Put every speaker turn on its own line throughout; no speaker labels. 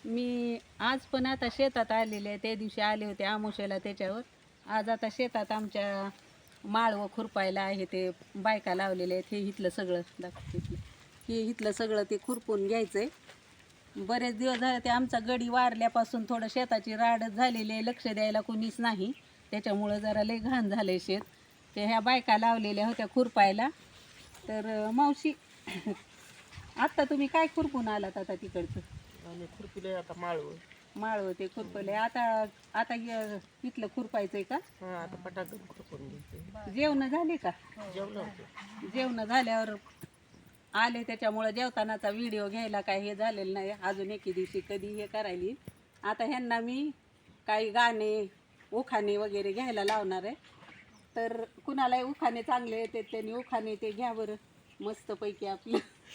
मी आज पण आता शेतात आलेले आहे. त्या दिवशी आले होते आमोशाला त्याच्यावर. आज आता शेतात आमच्या माळवं खुरपायला आहे, ते बायका लावलेले आहेत. हे इथलं सगळं दाखवते की हे इथलं सगळं ते खुरपून घ्यायचं आहे. बरेच दिवस झाले ते आमचा गडी वारल्यापासून थोडं शेताची राडच झालेली आहे, लक्ष द्यायला कोणीच नाही. त्याच्यामुळं जरा लय घाण झालं आहे शेत. ते ह्या बायका लावलेल्या होत्या खुरपायला. तर मावशी आत्ता तुम्ही काय खुरपून आलात आता तिकडचं?
आणि खुरपिले आता माळव.
माळव ते खुरपले. आता आता इथलं खुरपायचंय का?
हा आता पटाकन खुरपून घ्यायचे.
जेवण झाले का?
जेवलं होते.
जेवण झाल्यावर आले, त्याच्यामुळे जेवतानाचा व्हिडिओ घ्यायला काय हे झालेलं नाही. अजून एके दिवशी कधी हे करायली. आता ह्यांना मी काही गाणे उखाणे वगैरे घ्यायला लावणार आहे. तर कुणालाही उखाणे चांगले येते त्यांनी उखाणे ते घ्या बरं मस्तपैकी आपलं.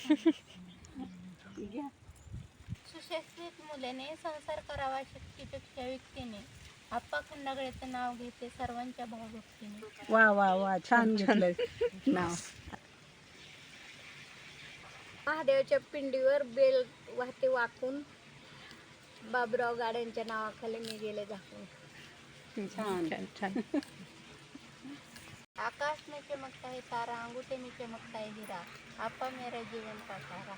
घ्या.
सुशिक्षित मुलीने संसार करावा शक्तीपेक्षा व्यक्तीने. आप्पा खंडागळेचं नाव घेते सर्वांच्या भावभक्तीने.
वा वा वा, छान घेतलं नाव.
महादेवाच्या पिंडीवर बेल वाहते वाकून. बाबुराव गाड्यांच्या नावाखाली मी गेले झाकून.
छान छान.
आकाश में चमकता है तारा, अंगूठे में चमकता है हीरा, आप्पा मेरा जीवन का सारा.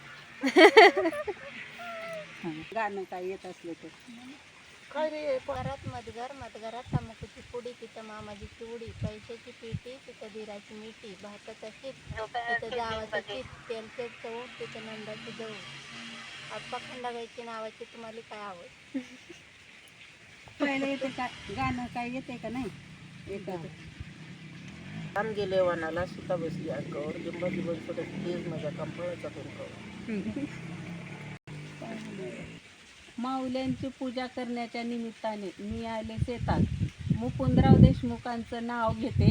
गाणं काय येत असलं तर.
काय रे
घरात मधगर, मधघरात तंबाखूची पुडी, तिथं मामाजीची उडी, पैशाची पेटी, तिथं धीराची मिठी, भाताचा शीत, तिथं जावाचं चीत, तेलचे चव, तिथं नंदाची जवळ. आप्पा खंडागळीची नावाची तुम्हाला काय आवड?
पहिले येते का गाणं, काय येते का नाही? येतं.
काम गेले वनाला, सुता बसली अंगावर, लिंबाची बनसोडत तेज माझ्या कंपळाचा तुमकावर.
माऊल्यांची पूजा करण्याच्या निमित्ताने मी आले शेतात. मुकुंदराव देशमुखांचं नाव घेते.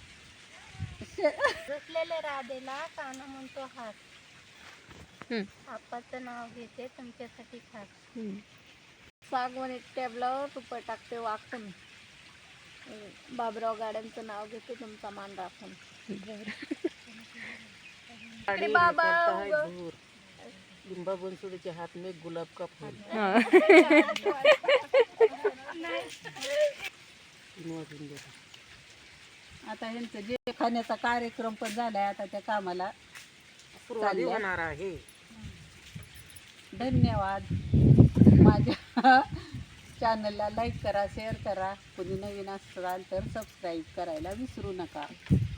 रुसलेले राधेला काना म्हणतो हात, आप्पाचं नाव घेते तुमच्यासाठी खास. सागवणी टेबलावर रुपये टाकते वाकून. बाबुराव गाड्यांचं नाव घेते तुमचा मान राखून.
साडी
बाबा
करता है दूर, लिंबा बनसोडीचे हात में गुलाब का फूल.
आता ह्यांचं जे खाण्याचा कार्यक्रम पण झालाय, आता त्या कामाला
सुरुवात होणार आहे.
धन्यवाद. माझ्या चॅनलला लाईक करा, शेअर करा. कोणी नवीन असाल तर सबस्क्राईब करायला विसरू नका.